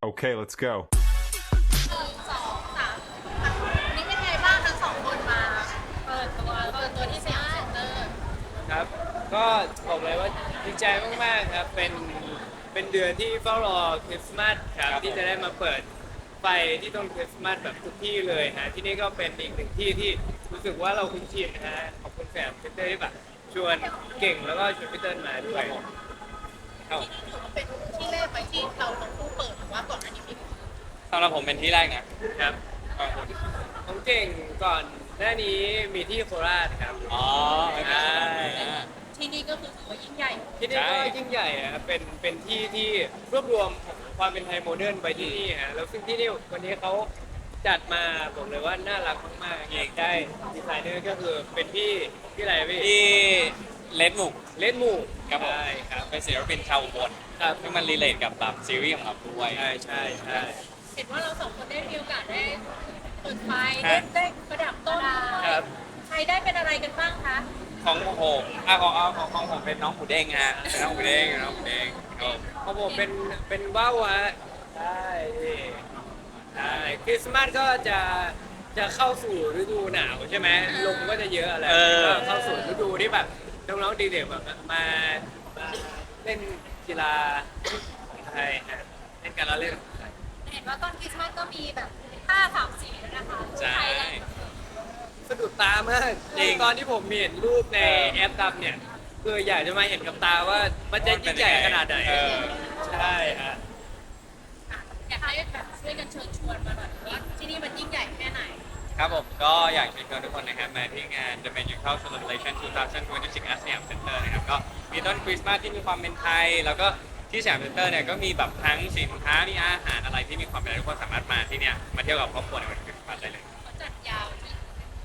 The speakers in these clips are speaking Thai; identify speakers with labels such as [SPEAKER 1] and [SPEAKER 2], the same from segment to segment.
[SPEAKER 1] Okay, let's go.
[SPEAKER 2] 1 2 3วันนี้เป็นไงบ้างทั้งสองคนมาเปิดตัวที่สยามเซ็นเตอร์
[SPEAKER 3] ครับก็บอกเลยว่าดีใจมากๆครับเป็นเดือนที่เฝ้ารอคริสต์มาสครับที่จะได้มาเปิดไฟที่ต้นคริสต์มาสแบบทุกที่เลยฮะที่นี่ก็เป็นอีกหนึ่งที่ที่รู้สึกว่าเราคุ้นชินนะฮะขอบคุณแฟนพีเตอร์ที่แบบชวนเก่งแล้วก็ชวนพีเตอร์มาด้วยครับ
[SPEAKER 2] ถือว่าเป็นที่แรกไปที่เราทั้งคู่เปิดหรือว่าก่อนอันนี้มี
[SPEAKER 4] สำหรับผมเป็นที่แรกนะครับ
[SPEAKER 3] ของเก่งก่อนหน้านี้มีที่โคราชครับ
[SPEAKER 4] อ๋อ
[SPEAKER 3] ใช่
[SPEAKER 2] ที่นี่ก็คือถือว่ายิ่งใหญ่
[SPEAKER 3] ที่นี่ก็ยิ่งใหญ่อะครับเป็นที่ที่รวบรวมของความเป็นไทยโมเดิร์นไว้ที่นี่ฮะแล้วซึ่งที่นี่วันนี้เขาจัดมาบอกเลยว่าน่ารักมากๆเองได้ดีไซเนอร์ก็คือเป็นพี่อะไรพี่
[SPEAKER 4] ที่เลดมุก
[SPEAKER 3] เลดมู
[SPEAKER 4] ครับผม
[SPEAKER 3] ใช่ครับ
[SPEAKER 4] เป็นศิลปินชาวอุบล
[SPEAKER 3] ครับ
[SPEAKER 4] ที่มันรีเลทกับแบบซีรีส์ของเราด้วย
[SPEAKER 3] ใช่ใช่ใช่
[SPEAKER 2] เห็นว่าเราสองคนได้มีโอกาสได้เปิดไฟ
[SPEAKER 4] ครั
[SPEAKER 2] ได้
[SPEAKER 4] บ
[SPEAKER 2] ประดับต้น
[SPEAKER 3] ครับ
[SPEAKER 2] ใครได้เป็นอะไรกันบ้างคะ
[SPEAKER 4] ของผมของผมเป็นน้องหมูเด้งฮะเป็นน้องหมูเด้งครับผม
[SPEAKER 3] ของผมเป็นว่าวฮะใช่ใช่คริสต์มาสก็จะเข้าสู่ฤดูหนาวใช่ไหมลมก็จะเยอะอะไรก็เข้าสู่ฤดูที่แบบน้องๆดีเด็กแบบมาเล่นกีฬาใช่ฮะเล่นการละเล่น
[SPEAKER 2] เห็นว่าตอนคริสต์มาสก็มีแบบผ้าสามสีนะคะ
[SPEAKER 4] ใช่
[SPEAKER 3] สะดุดตามาก
[SPEAKER 4] จริง
[SPEAKER 3] ตอนที่ผมเห็นรูปในแอปดำเนี่ยคืออยากจะมาเห็นกับตาว่ามันจะยิ่งใหญ่ขนาดไหน
[SPEAKER 4] เออ
[SPEAKER 3] ใช่ฮะ
[SPEAKER 2] อยากให้แบบช่วยกันเชิญชวนมาหน่อยว่าที่นี่มันยิ่งใหญ่แค่ไหน
[SPEAKER 4] ครับผมก็อยากเชิญชวนทุกคนนะครับมาที่งาน The Magical Celebration 2026 at Siam Center นะครับก็มีต้นคริสต์มาสที่มีความเป็นไทย แล้วก็ที่สยามเซ็นเตอร์เนี่ยก็มีแบบทั้งสินค้ามีอาหารอะไรที่มีความเป็นไทยทุกคนสามารถมาที่เนี่ยมาเที่ยวกับครอบครัวในวันคริสต์มาสได้เลย
[SPEAKER 2] เขาจัดยาวที่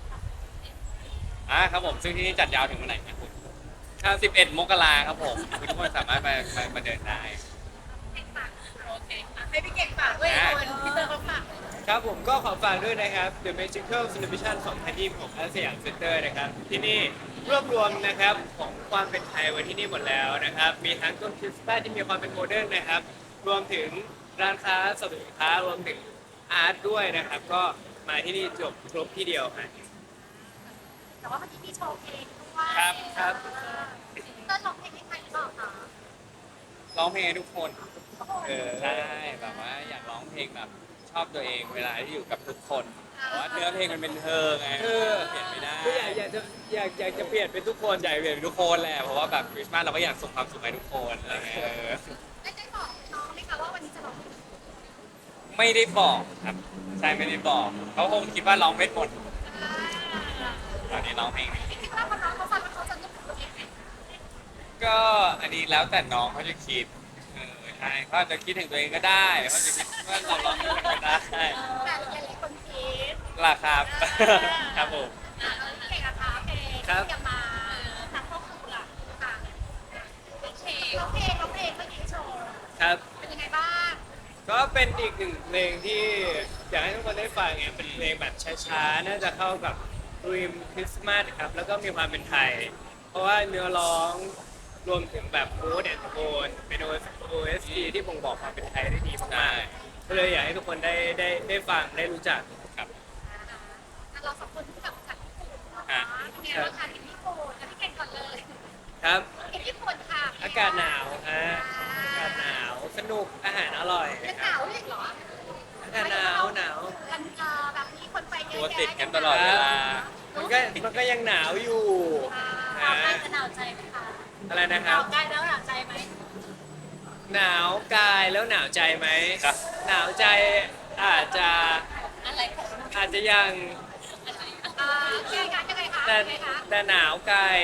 [SPEAKER 4] ครับผมซึ่งที่นี่จัดยาวถึงวันไหนนะคุณ11 มกราครับผมทุกคนสามารถมาเดินได้
[SPEAKER 2] โอเคให้พี่เก่งฝากด้วยคนพี่เตอร์เขาฝาก
[SPEAKER 3] ครับผมก็ขอฝากด้วยนะครับ The Magical Celebration 2020ของอาสยามเซ็นเตอร์นะครับที่นี่รวบรวมนะครับของความเป็นไทยไว้ที่นี่หมดแล้วนะครับมีทั้งต้นคริสต์มาสที่มีความเป็นโมเดิร์นนะครับรวมถึงร้านค้าสรรพสินค้ารวมถึงอาร์ตด้วยนะครับก็มาที่นี่จบครบที่เดียวครับ
[SPEAKER 2] แต่ว่าเมื่อกี้มีโชว์เพลงด้วย
[SPEAKER 3] ครับครับ
[SPEAKER 2] เต้นร้องเพลงให้ใครหรือเปล่าคะ
[SPEAKER 4] ร้องเพลงให้ทุกคนใช่แบบว่าอยากร้องเพลงแบบชอบตัวเองเวลาที่อยู่กับทุกคนแต่ว่าเนื้อเพลงมันเป็นเธอไงเปลี่ยนไม่ได้
[SPEAKER 3] ก็อยากจะเปลี่ยนเป็นทุกคน
[SPEAKER 4] อยากเปลี่ยนเป็นทุกคนแหละเพราะว่าแบบคริสต์มาสเราก็อยากส่งความสุขให้ทุกคนอะไรเงี้ย
[SPEAKER 2] ได้บอกน้องไหมคะว่าวันนี้จะร้องเพลง
[SPEAKER 4] ไม่ได้บอกครับใช่ไม่ได้บอกเขาคงคิดว่าร้องไม่หมดตอนนี้ร้องเพลง
[SPEAKER 2] พี่คิดว่าพอน้องเขาฟังแล้วเขาจะนึกถึงตัวเองไหม
[SPEAKER 4] ก็อันนี้แล้วแต่น้องเขาจะคิดใช่เขาอาจจะคิดถึงตัวเองก็ได้เขาจะคิดว่าเราร้องเพลงก็ได้
[SPEAKER 2] แต่หลายๆคนคิด
[SPEAKER 4] ล่ะครับ ครับผม
[SPEAKER 2] เก่งอะคะเพลงที่จะมาทางครอบครัวค่ะเพลงร้องเพลงเมื่อกี้โชว์
[SPEAKER 3] ครับ
[SPEAKER 2] เป็นยังไงบ้าง
[SPEAKER 3] ก็เป็นอีกหนึ่งเพลงที่อยากให้ทุกคนได้ฟังไงเป็นเพลงแบบช้าๆ น่าจะเข้ากับธีมคริสต์มาสครับ แล้วก็มีความเป็นไทย เพราะว่าเนื้อร้องรวมถึงแบบโค้ดแอนด์โทนเป็น OST ที่บ่งบอกความเป็นไทยได้ดีมากๆก็เลยอยากให้ทุกคนได้ฟังได้รู้จัก
[SPEAKER 4] ครับ
[SPEAKER 2] เราสองคนที่กลับจากญี่ปุ่นเนาะเป็นไงบ้างคะที่ญี่ปุ่นพี่เก่งก่อนเลย
[SPEAKER 3] ครับ
[SPEAKER 2] ที่ญี่ปุ่นค่ะ
[SPEAKER 3] อากาศหนาวฮะอากาศหนาว สนุก อาหารอร่อย
[SPEAKER 2] เป็นห
[SPEAKER 3] ครั
[SPEAKER 2] นา
[SPEAKER 3] บ
[SPEAKER 2] วอีกเหรอ
[SPEAKER 3] อากาศหนาวหนาว
[SPEAKER 2] มันแบบมีคนไปเย
[SPEAKER 4] ตัว
[SPEAKER 2] อะ
[SPEAKER 4] ติด
[SPEAKER 2] แยะ
[SPEAKER 4] กันตลอดเวลา
[SPEAKER 3] มันก็ยังหนาวอยู่
[SPEAKER 2] หนาวกายจะหนาวใจไหมคะ
[SPEAKER 3] อะไรนะ
[SPEAKER 2] ห
[SPEAKER 3] ครั
[SPEAKER 2] นา
[SPEAKER 3] บ
[SPEAKER 2] วกายแล้วหนาวใจไหม
[SPEAKER 3] หนาวกายแล้วหนาวใจไหม
[SPEAKER 4] ครับ
[SPEAKER 3] หนาวใจอาจจะ
[SPEAKER 2] อะไรของ
[SPEAKER 3] อาจจะยัง
[SPEAKER 2] ยังไงคะ
[SPEAKER 3] แต่
[SPEAKER 2] ยังไงคะ
[SPEAKER 3] แต่หนาวกาย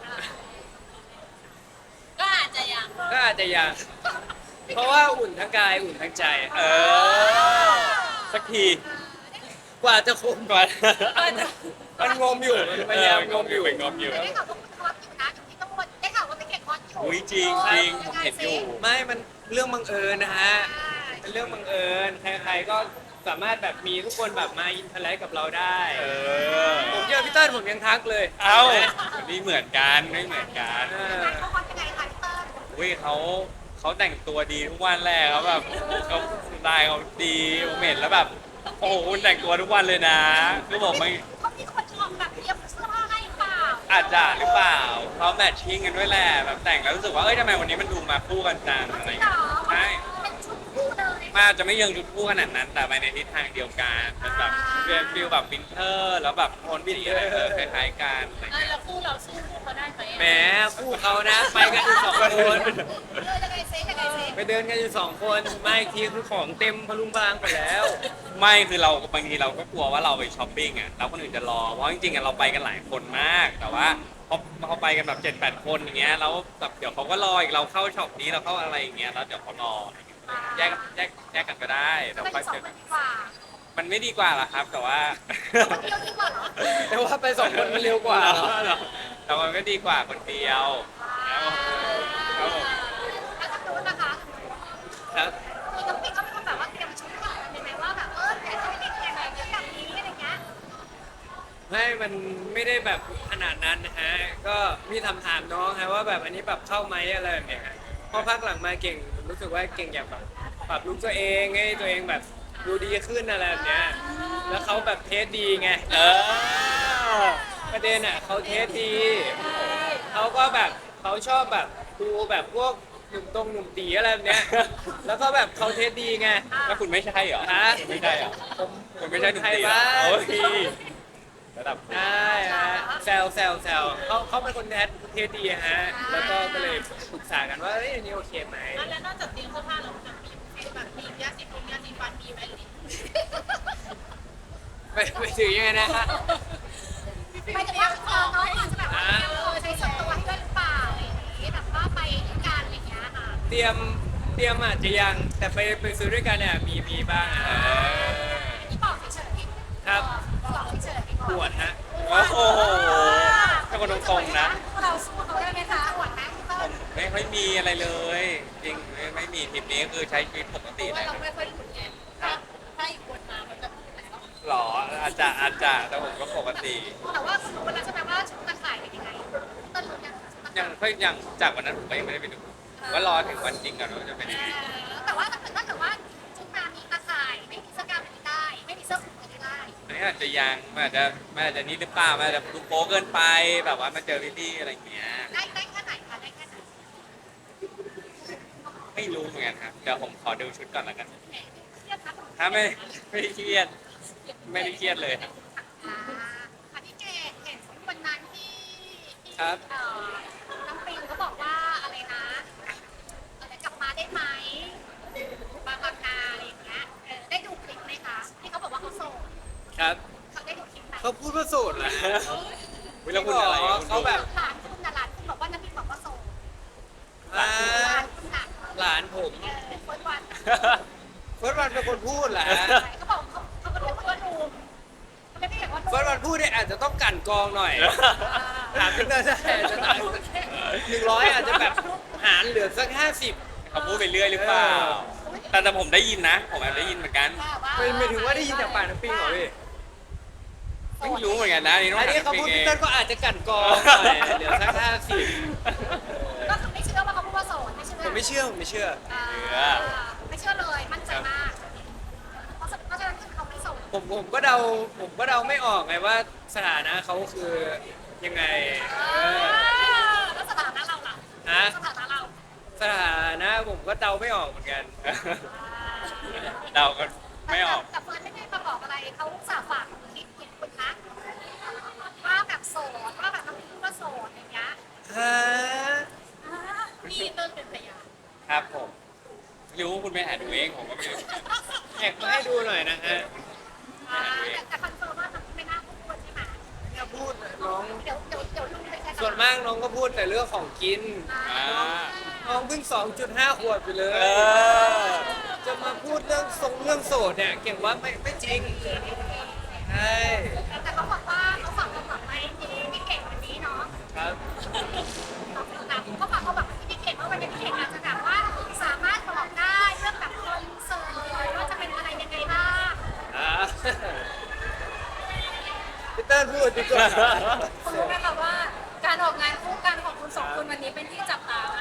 [SPEAKER 2] ก็อาจจะยัง
[SPEAKER 3] ก็อาจจะยัง เพราะว่าอุ่นทั้งกายอุ่นทั้งใจ
[SPEAKER 4] เออสักที
[SPEAKER 3] กว่าจะคุมก่อน มันงมอยู่มันพยายามงมอยู่
[SPEAKER 4] งมอยู่
[SPEAKER 2] ได้ข่าวว่าคุณฮอตอยู่นะอยู่ที่ต้องวนได้ข่าวว่าเป็นเก่งฮอตอยู่
[SPEAKER 4] อุ้ยจริงจริงผมเห็นอยู่
[SPEAKER 3] ไม่มันเรื่องบังเอิญนะฮะ เป็นเรื่องบังเอิญ ใครๆก็สามารถแบบมีทุกคนแบบมาอินเทอร์แลกกับเราได้
[SPEAKER 4] เออ
[SPEAKER 3] ผมเจอพี่เติ้ลผมยังทักเลย
[SPEAKER 4] เอ้านี่เหมือนกันไม่เหมือนกัน
[SPEAKER 3] เออ
[SPEAKER 2] เขาฮอตยังไงคะพี่เติ้ล
[SPEAKER 4] อุ้ยเขาแต่งตัวดีทุกวันแรกเขาแบบเขาสไตล์เขาดีผมเห็นแล้วแบบโอ้โหคุณแต่งตัวทุกวันเลยนะคือผมไม่
[SPEAKER 2] เขามีคนชอบแบบเตรียมเสื้อผ้าให้เปล่า
[SPEAKER 4] อาจจะหรือเปล่าเขาแมทชิ่งกันด้วยแหละแบบแต่งแล้วรู้สึกว่าเอ้ยทำไมวันนี้มันดูมาคู่กันจังอะไรอย่าง
[SPEAKER 2] หร
[SPEAKER 4] เงี้ย
[SPEAKER 2] อ
[SPEAKER 4] ใช่
[SPEAKER 2] เป็นชุดคู่เลย
[SPEAKER 4] มันอาจจะไม่เยิงชุดคู่ขนาดนั้น แต่ไปในทิศทางเดียวกันเป็นแบบเป็นฟิลแบบวินเทอร์แล้วแบบโทนสีอะไรคล้ายๆกันอะไรเงี้ย
[SPEAKER 2] แล้วคู่เราสู้เขาได้ไหม
[SPEAKER 3] แหมคู่เขานะไปกันอยู่2 คน
[SPEAKER 2] ยังไงเซ็ยังไงเซ็
[SPEAKER 3] ไปเดินกันอยู่2 คนมาอีกทีคือของเต็มพลุงพลังไปแล้ว
[SPEAKER 4] ไม่คือเราบางทีเราก็กลัวว่าเราไปช้อปปิ้งอ่ะแล้วคนอื่นจะรอเพราะจริงๆอ่ะเราไปกันหลายคนมาก แต่ว่าพอไปกันแบบ7-8 คนอย่างเงี้ยแล้วแบบเดี๋ยวเขาก็รออีกเราเข้าช็อปนี้เราเข้าอะไรอย่างเงี้ยแล้วเดี๋ยวเขารออะไรอย่างเงี้ยแยกกันก็ได้เดี๋ยว
[SPEAKER 2] ไป
[SPEAKER 4] ค่อย
[SPEAKER 2] สอ
[SPEAKER 4] เจ
[SPEAKER 2] ง
[SPEAKER 4] อ
[SPEAKER 2] ค
[SPEAKER 4] กัน น
[SPEAKER 2] ดีกว่า
[SPEAKER 4] มันไม่ดีกว่าหรอครับ แต่ว่า
[SPEAKER 2] คนเดียวดีกว่าเหรอ
[SPEAKER 3] แต่ว่าไป2 คนมันเร็วกว่าเหรอ
[SPEAKER 4] แต่มันก็ดีกว่าคนเดียวครับผม
[SPEAKER 2] แล้วก็รู้นะคะ
[SPEAKER 3] ครับ
[SPEAKER 2] มีน้องปิ๊กเขาเป็นคนแบบว่าเตรียมชุดก่อนเป็นไหมว่าแบบแต่เขาไม่ได้เตรียมแบบนี้อะไรเงี้ย
[SPEAKER 3] ไม่มันไม่ได้แบบขนาดนั้นนะฮะก็มีถามน้องฮะว่าแบบอันนี้แบบเข้าไหมอะไรแบบเนี้ยฮะพอพักหลังมาเก่งรู้สึกว่าเก่งอยากแบบปรับลุคตัวเองให้ตัวเองแบบดูดีขึ้นอะไรแบบเนี้ยแล้วเขาแบบเทสดีไง ประเด็นอ่ะเขาเทสดีเขาก็แบบเขาชอบแบบดูแบบพวกหนุ่มตีอะไรแบบเนี้ยแล้วก็แบบเขาเทสดีไง
[SPEAKER 4] แล้วคุณไม่ใช่เหรอ
[SPEAKER 3] ฮะ
[SPEAKER 4] คุณไม่ใช่เหรอ
[SPEAKER 3] ผม
[SPEAKER 4] คุณไม่ใช่หนุ่มตีเหรอ
[SPEAKER 3] ไทยบ้าน
[SPEAKER 4] โอ้ยระดับ
[SPEAKER 3] ใช่ฮะแซวเขาเป็นคนเทสดีฮะแล้วก็เลยปรึกษากันว่าเอ้ยอันนี้โอเคไหม
[SPEAKER 2] แล้วนอกจากเตรียมเสื้อผ้าเราจะมีแบบมียาสีฟันยาสีฟันมีไหม
[SPEAKER 3] ไปถึงยังไงนะฮะ
[SPEAKER 2] ไม่ถึงว่าน้องอาจจะแบบว่าใช้ส่วนตัวให้ด้วยหรือเปล่าอะไรอย่างนี้แบบว่าไปด้วยกันอะไรอย่างเงี้ยค่ะ
[SPEAKER 3] เตรียมอาจจะยังแต่ไปซื้อด้วยกันเนี่ยมีบ้างฮะ
[SPEAKER 2] ที่บอกเฉย
[SPEAKER 3] ครับ
[SPEAKER 2] บอกเฉย
[SPEAKER 3] ปวดฮะ
[SPEAKER 4] โอ้โหเป็นคนตรงๆนะ
[SPEAKER 2] เราสู้เขาได้ไหมคะปวดไหม
[SPEAKER 4] ผมไม่ค่อยมีอะไรเลย จริงไม่มีทริปนี้คือใช้ชีวิตปกติเลย
[SPEAKER 2] เราไม่ค่อยหลุดไงถ้าอีกคนมามันจะหลุดแล้ว
[SPEAKER 4] หรออาจจะแต่ผมก็ปกติ
[SPEAKER 2] แต่ว่าคุณรู้แล้วใช่ไหมว่าชุดตะข่ายเป็นยังไงต้นรู้
[SPEAKER 4] ยังจากวันนั้นผมก็ยังไม่ได้ไปดูผมก็รอถึงวันจริงก่อนว่าจะเป็นยังไง
[SPEAKER 2] แต่ว่าถ้าเกิดว่าชุดมามีตะข่ายไม่มีเสื้อกล้ามไม่ได้ ไม่มีเสื้อคลุมก็ได้
[SPEAKER 4] อันนี้อาจจะยังมันอาจจะนี่หรือเปล่ามันอาจจะดูโป๊เกินไปแบบว่ามาเจอพี่ๆอะไรอย่างเงี้ย
[SPEAKER 2] ได้แค่ไหนคะได้แค่ไหน
[SPEAKER 4] ไม่รู้เหมือนกันครับเดี๋ยวผมขอดูชุดก่อนแล้วกัน
[SPEAKER 2] เครียดนะ
[SPEAKER 4] ถ้าไม่ได้เครียดไม่ได้เครียดเลยครับ
[SPEAKER 2] ค่ะพี่เกดเห็นวันนั้นที่
[SPEAKER 3] ครับ
[SPEAKER 2] น้องปิงเขาบอกว่าอะไรนะอะไรกลับมาได้ไหมบางนาอะไรอย่างเงี้ยได้ดูคลิปไหมคะที่เขาบอกว่าเขาโสด
[SPEAKER 3] ครับ
[SPEAKER 2] เขาได้ดูคลิปไหม
[SPEAKER 3] เขาพูดว่าโสดเหรอฮะ
[SPEAKER 4] วิลคุณอะไร
[SPEAKER 3] เขาแบบ
[SPEAKER 2] หลานคุณน่ะหลานคุณบอกว่าน้ำปิงบอกว่าโสด
[SPEAKER 3] อ่า
[SPEAKER 2] หลานคุณน่ะ
[SPEAKER 3] หลานผม
[SPEAKER 2] คนวัน
[SPEAKER 3] เฟิร์สวันเป็นคนพูดเหรอฮะ
[SPEAKER 2] เขาบอกเขาก็เรียกว่าหนุ่มเขาไม่ได้เรียกว่าหนุ่ม
[SPEAKER 3] เฟิร์สวันพูดเนี่ยอาจจะต้องกลั่นกรองหน่อยถามพี่เตอร์ได้จะถาม100อาจจะแบบหารเหลือสัก50
[SPEAKER 4] เขาพูดไปเรื่อยหรือเปล่าแต่ผมได้ยินนะ ผมแอบได้ยินเหมือนกัน
[SPEAKER 3] ไม่ถึงว่าได้ยินจากปากน้ำปิงเหรอพี่
[SPEAKER 4] ไม่รู้เหมือนกันนะนี่ต้อง
[SPEAKER 3] อัน
[SPEAKER 4] ถาม
[SPEAKER 3] นี้เขา
[SPEAKER 4] พี่
[SPEAKER 3] พูด
[SPEAKER 4] เอ
[SPEAKER 3] พี่
[SPEAKER 4] ง
[SPEAKER 3] เตอร์ก็อาจจะกลั่นกรองหน่อยเหลือสัก50
[SPEAKER 2] ก็คือไม่เชื่อว่าเขาพูดว่าโสดไม่เชื่อ
[SPEAKER 3] ผมไม่เชื่อไม่เชื่อ
[SPEAKER 2] ไม่เชื่อเลยมั่นใจมากเพราะฉะนั้นคือเขาไม่โสด
[SPEAKER 3] ผมก็เดาไม่ออกไงว่าสถานะเขาคือยังไง
[SPEAKER 2] แล้วสถานะเราล่ะ
[SPEAKER 3] ฮะ
[SPEAKER 2] สถานะเรา
[SPEAKER 3] สถานะผมก็เดาไม่ออกเหมือนกัน
[SPEAKER 4] เดากันไม่ออก
[SPEAKER 2] แต่เฟิร์นไม่ได้มาบอกอะไรเขาสาฝากคิดเห็นคุณนะว่าแบบโสดว่าแบบน้องพูดว่าโสดอย่างเงี้ย
[SPEAKER 3] ฮะ
[SPEAKER 2] พี่เติ้ลเป็นพยาน
[SPEAKER 4] ครับผมรู้ว่าคุณไปหาดูเองผมก็ไม่รู้
[SPEAKER 3] แอบมาให้ดูหน่อยนะฮะ
[SPEAKER 2] แต่คอนเฟิร์มว่าน้องไม่น่าพูดใช่ไหม
[SPEAKER 3] เนี่ยพูดน้อง
[SPEAKER 2] เดี๋ยวลุงไปแค่
[SPEAKER 3] ส่วนมากน้องก็พูดแต่เรื่องของกิน
[SPEAKER 4] อ่า
[SPEAKER 3] น้องเพิ่ง 2.5 ขวบไปเลย
[SPEAKER 4] เออ
[SPEAKER 3] จะมาพูดเรื่องโสดเนี่ยเก่งว่าไม่จริงใช่
[SPEAKER 2] แต่เขาบอกว่าเขาฝากความหวังไว้ที่พี่เก่งวันนี้เนาะ
[SPEAKER 3] ครับ
[SPEAKER 2] เขาฝากความหวังไว้ที่พี่เก่งว่าวันนี้พี่เก่งอาจจะแบบว่าสามารถบอกได้เรื่องแบบคอนเสิร์ตว่าจะเป็นอะไรยังไงบ้าง
[SPEAKER 3] อ่าพี่เติ้ลพูดดีกว่า
[SPEAKER 1] คุณรู้ไหมคะว่าการออกงานคู่กันของคุณสองคนวันนี้เป็นที่จับตามาก
[SPEAKER 4] ผ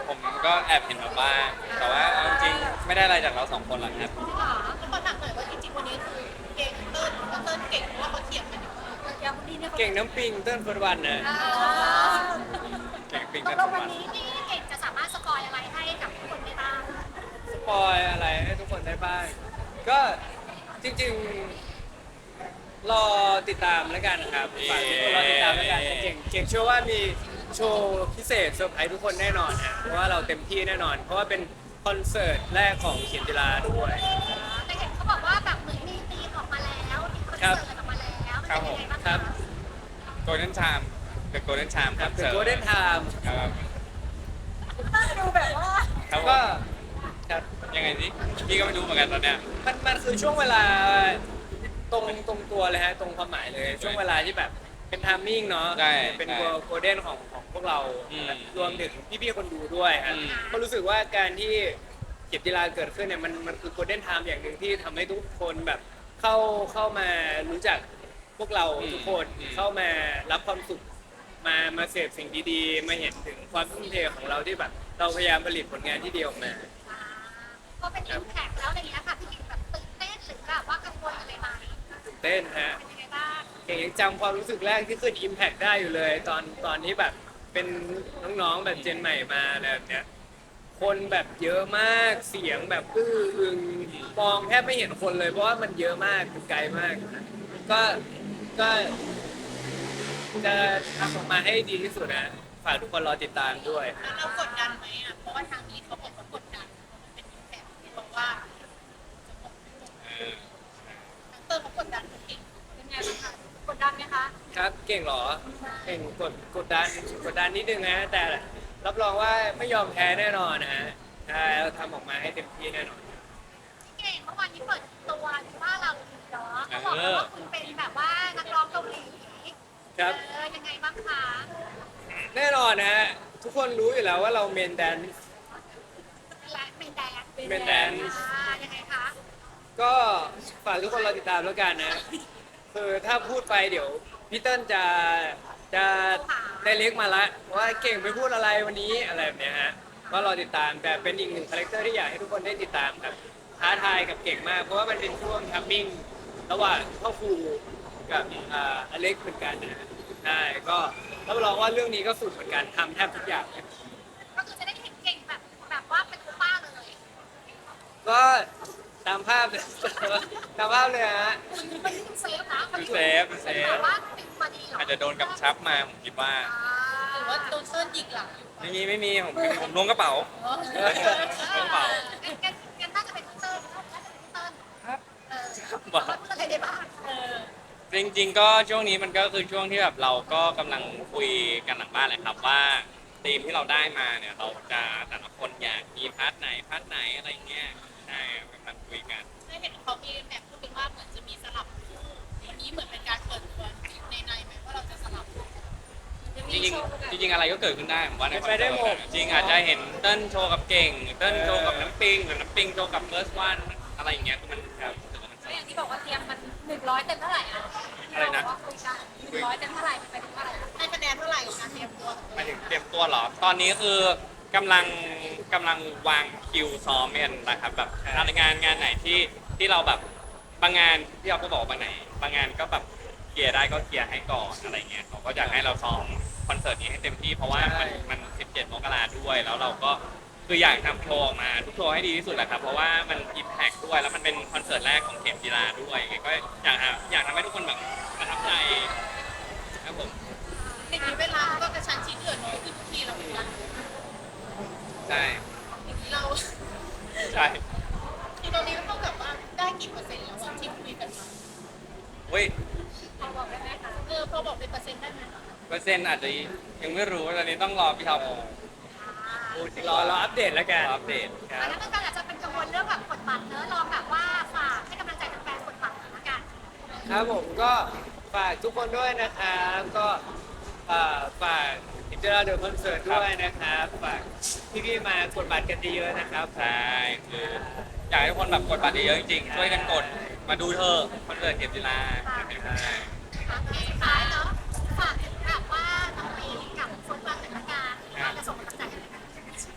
[SPEAKER 4] ผมก็แอบเห็นมาบ้างแต่ว่าเอาจริงๆไม่ได้อะไรจากเราสองคนหรอกครับ
[SPEAKER 2] ค่ะแล้วก็ถามหน่อยว่าจริงๆวันนี้คือเก่งเติ้ลเติ้ลเก่งเพราะว่าเขาเถียงกันอยู่อย่างคนนี้เนี่ย
[SPEAKER 3] เก่งน้ำปิงเต้นเฟิร์สวันนะ
[SPEAKER 4] เก่งปิง
[SPEAKER 2] ต
[SPEAKER 4] กั
[SPEAKER 2] ก
[SPEAKER 4] น
[SPEAKER 2] ล
[SPEAKER 4] ทุ
[SPEAKER 2] ง
[SPEAKER 4] ก
[SPEAKER 2] วั
[SPEAKER 4] วัน น
[SPEAKER 2] นี้นี่เก่งจะสามารถสปอยอะไรให้กับทุกคนได้บ้าง
[SPEAKER 3] สปอยอะไรให้ทุกคนได้บ้างก็จริงๆรอติดตามแล้วกันครับฝากทุกคนรอติดตามแล้วกันแต่เก่งเชื่อว่ามีโชว์พิเศษเซอร์ไพรส์ทุกคนแน่นอนฮะเพราะว่าเราเต็มที่แน่นอน เพราะว่าเป็นคอนเสิร์ตแรกของเขียนจิลาด้วย
[SPEAKER 2] แต่เห็นเขาบอกว่าแบบเหมือนมีธีมออกมาแล้วมีคอนเสิร์ตออกมาแล้วมันเป็นยังไงบ้าง
[SPEAKER 3] ครั
[SPEAKER 2] คะ
[SPEAKER 3] บ
[SPEAKER 4] โกลเด้นชามเดอะโกลเด้นชาม
[SPEAKER 3] ครับ The Golden Time
[SPEAKER 4] ครับ
[SPEAKER 2] ดูแบบว่า
[SPEAKER 4] ครับผ
[SPEAKER 3] ก็
[SPEAKER 4] ม
[SPEAKER 3] ครับ
[SPEAKER 4] ยังไงสิพี่ก็ไม่รู้เหมือนกันตอนเนี้ย
[SPEAKER 3] มันคือช่วงเวลาตรงตัวเลยฮะตรงความหมายเลย ช่วงเวลาที่แบบเป็นไทามมิ่งเนาะ
[SPEAKER 4] ใช่
[SPEAKER 3] เป็น
[SPEAKER 4] ใช่
[SPEAKER 3] โกลเด้นของพวกเรา
[SPEAKER 4] อืม
[SPEAKER 3] รวมถึงพี่ๆคนดูด้วยฮะ
[SPEAKER 4] อืม
[SPEAKER 3] ก็รู้สึกว่าการที่เก็บกีฬาเกิดขึ้นเนี่ยมันคือโกลเด้นไทม์อย่างหนึ่งที่ทำให้ทุกคนแบบเข้ามารู้จักพวกเราทุกคนเข้ามารับความสุขมาเสพสิ่งดีๆ มาเห็นถึงความทุ่มเทของเราที่แบบเราพยายามผลิตผลงานที่ดีออกมา
[SPEAKER 2] พอเป็นอิมแพคแล้วอะไรเงี้ยค่ะพี่กิ่งแบบตื่นเต้นหรือแบบว่ากังวลอะไรไหม
[SPEAKER 3] ตื่นเต้นฮะ
[SPEAKER 2] เป็นยังไงบ้าง
[SPEAKER 3] เก่งยังจำความรู้สึกแรกที่ขึ้น Impact ได้อยู่เลย ตอนที่แบบเป็นน้องๆแบบเจนใหม่มาอะไรแบบเนี้ยคนแบบเยอะมากเสียงแบบอื้ออึงมองแทบไม่เห็นคนเลยเพราะว่ามันเยอะมากคือไกลมาก ก็จะทำออกมาให้ดีที่สุดนะฝากทุกคนรอติดตามด้วย
[SPEAKER 2] แล้วเรากดดันไหมอ่ะเพราะว่าทางนี้เขาบอกเขากดดันเพราะมันเป็นอิมแพคเพราะว่า
[SPEAKER 4] เออ
[SPEAKER 2] ทางเตอร์เขากดดันพี่กิ่งเป็นไงบ้างคะกดดันไหมคะ
[SPEAKER 3] ครับเก่งเหรอเก่งกดดันนิดนึงนะแต่รับรองว่าไม่ยอมแพ้แน่นอนนะฮะใช่เราทำออกมาให้เต็มที่แน่นอน
[SPEAKER 2] พี่เก่งเมื่อวานนี้เปิดตัวว่าเราเนาะเขาบอกว่าคุณเป็นแบบว่านักร้องเกาหลี
[SPEAKER 3] ครับ
[SPEAKER 2] ยังไงบ้างคะ
[SPEAKER 3] แน่นอนนะฮะทุกคนรู้อยู่แล้วว่าเราเมนแดน
[SPEAKER 2] และเมนแดน
[SPEAKER 3] เป็นแดน
[SPEAKER 2] ยังไงคะ
[SPEAKER 3] ก็ฝากทุกคนรอติดตามแล้วกันนะคือถ้าพูดไปเดี๋ยวพี่เติ้ลจะได้เล็กมาละว่าเก่งไปพูดอะไรวันนี้อะไรแบบเนี้ยฮะก็รอติดตามแต่เป็นอีกหนึ่งคาแรคเตอร์ที่อยากให้ทุกคนได้ติดตามครับท้าทายกับเก่งมาก เพราะว่ามันเป็นช่วงทัมมิ่งระหว่างพ่อครูกับอเล็กเหมือนกันนะฮะใช่ก็รับรองว่าเรื่องนี้ก็สุดเหมือนกันทำแทบทุกอย่าง
[SPEAKER 2] ก็คือจะได้เห็นเก่งแบบว่าเป็นคุณป้าเลย
[SPEAKER 3] ก็ตามภาพเลย ตามภาพเลยฮะ
[SPEAKER 2] มันเซฟนะ
[SPEAKER 4] เซฟ
[SPEAKER 2] แต่ว่าเป็นมาดีเหรอ
[SPEAKER 4] อาจจะโดนกำชับมาผมคิดว่า
[SPEAKER 2] หรือว่าโดนเติ้ลยิงหลังอยู่
[SPEAKER 4] ไม่มีผมล้วงกระเป๋า กระเป๋า
[SPEAKER 2] งั้นน่าจะเป็นเติ้ลน่าจะเป็นเติ้ล
[SPEAKER 4] ครับ
[SPEAKER 2] ว่าพูดอะไรได้บ้าง
[SPEAKER 4] จริงๆก็ช่วงนี้มันก็คือช่วงที่แบบเราก็กำลังคุยกันหลังบ้านแหละครับว่าธีมที่เราได้มาเนี่ยเราจะแต่ละคนอยากมีพาร์ทไหนอะไรอย่างเงี้ยใช่กำลังคุยกัน
[SPEAKER 2] ได้เห็นเขามีแบบพูดกันว่าเหมือนจะมีสลับคู่วันนี้เหมือนเป็นการเปิดตัวในไหมว่าเราจะสลับ
[SPEAKER 4] จริงๆอะไรก็เกิดขึ้นได้ผมว่าใน
[SPEAKER 3] เป็นไปได้หมด
[SPEAKER 4] จริงอาจจะเห็นเติ้ลโชว์กับเก่งเติ้ลโชว์กับน้ำปิงหรือน้ำปิงโชว์กับเฟิร์สวันอะไรอย่างเงี้ยคือมันครับรู้สึกว่ามันส
[SPEAKER 2] ก็อ
[SPEAKER 4] นุ
[SPEAKER 2] ย่าก งที่บอกว่าเตรียมมัน100เต็มเท่าไหร่อะ
[SPEAKER 4] อะไรนะ
[SPEAKER 2] ว่าคุยกัน100เต็มเท่าไหร่ไปถึงเท่าไหร่ให้คะแนนเท่าไหร่กับการเตรียมตัว
[SPEAKER 4] หมายถึงเตรียมตัวเหรอ ตอนนี้คือกำลังวางคิวซ้อมกันนะครับแบบงานไหนที่เราแบบบางงานที่เราก็บอกบางงานก็แบบเคลียร์ได้ก็เคลียร์ให้ก่อนอะไรเงี้ยเขาก็อยากให้เราซ้อมคอนเสิร์ตนี้ให้เต็มที่เพราะว่ามัน17 มกราด้วยแล้วเราก็คืออยากทำโชว์ออกมาทุกโชว์ให้ดีที่สุดแหละครับเพราะว่ามันอิมแพคด้วยแล้วมันเป็นคอนเสิร์ตแรกของเข็มกีฬาด้วยก็อยากทำให้ทุกคนแบบประทับใจครับผม
[SPEAKER 2] อย่างนี้เวลาก็กระชั้นชิดเหลือน้อยขึ้นทุกทีเราเหมือนกัน
[SPEAKER 4] ใช่
[SPEAKER 2] อย่างนี้เรา
[SPEAKER 4] ใช่
[SPEAKER 2] คือตอนนี้เท่ากับว่าได้กี่เปอร์เซ็นต์แล้วอะที่คุยกันมา
[SPEAKER 4] เว้ย
[SPEAKER 2] พอบอกได้ไหมคะพอบอกเป็นเปอร์เซ็นต์ได้ไหม
[SPEAKER 4] เปอร์เซ็นต์อาจจะยังไม่รู้ตอนนี้ต้องรอพี่ท็อป
[SPEAKER 3] รออัปเดตแล้วกัน
[SPEAKER 4] อัปเดตค
[SPEAKER 2] อั
[SPEAKER 4] รั
[SPEAKER 2] น
[SPEAKER 4] บ
[SPEAKER 2] นั้นก็อาจจะเป็นกังวลเรื่องแบบกดบัตรเนอะลองแบบว่าฝากให้กำลังใจแฟนๆกดบัตรหน่อยละกัน
[SPEAKER 3] ครับผมก็ฝากทุกคนด้วยนะครับก็ฝากอินเตอร์เดอะคอนเสิร์ตด้วยนะครับฝากพี่ๆมากดบัตรกันเยอะๆนะครับ
[SPEAKER 4] ใช่คืออยากให้ทุกคนแบบกดบัตรเยอะๆจริงๆช่วยกันกดมาดูเธอะคอนเสิร์ตเข็มจีราเป็นกำลังใจ
[SPEAKER 2] โอเคสุดท้ายเนาะฝากถึงแบบว่าน้องปีกับฟุตบอลแต่ละการว่าจะส่งกำลังใจให้กัน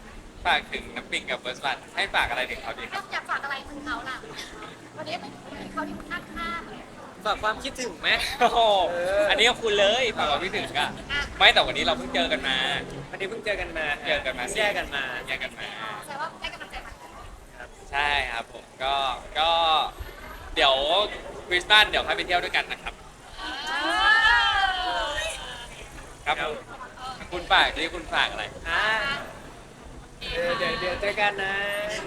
[SPEAKER 4] ฝากถึงน้ำปิงกับเฟิร์สวันให้ฝากอะไรถึงเขาดีค
[SPEAKER 2] ถ้า
[SPEAKER 4] รับ
[SPEAKER 2] อยากฝากอะไรถึงเขาล่ะวันนี้เขาอยู่ข้างๆเลย
[SPEAKER 3] ฝากความคิดถึงไหม
[SPEAKER 4] โอ้โหอันนี้ก็คุณเลยฝากความคิดถึงอะไม่แต่วันนี้เราเพิ่งเจอกันมา
[SPEAKER 3] วันนี้เพิ่งเจอกันมา
[SPEAKER 4] เจอกันมา
[SPEAKER 3] แยกกันมา
[SPEAKER 4] แยกกันมา
[SPEAKER 2] แสดงว่าได้กำลังใจมา
[SPEAKER 4] ใช่ครับผมก็เดี๋ยวคริสต์มาสเดี๋ยวพาไปเที่ยวด้วยกันนะครับ ครับผมคุณฝากที่คุณฝากอะไร
[SPEAKER 3] อ่าเดี๋ยวเจอกันนะ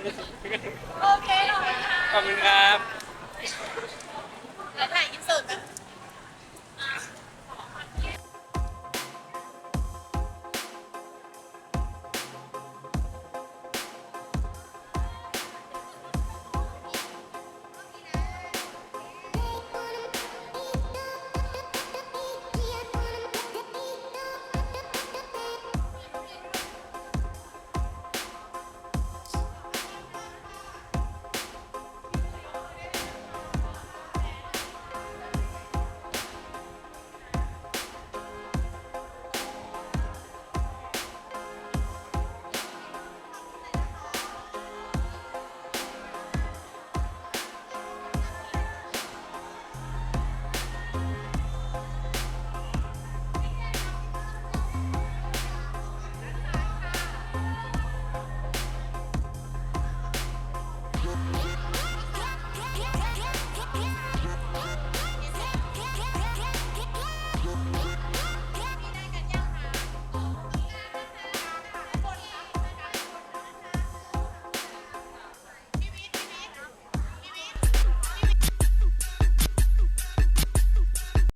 [SPEAKER 2] โอเคขอบคุณค่ะ
[SPEAKER 4] ขอบคุณครับ
[SPEAKER 2] แล้วถ่ายอินเสิร์ตกัน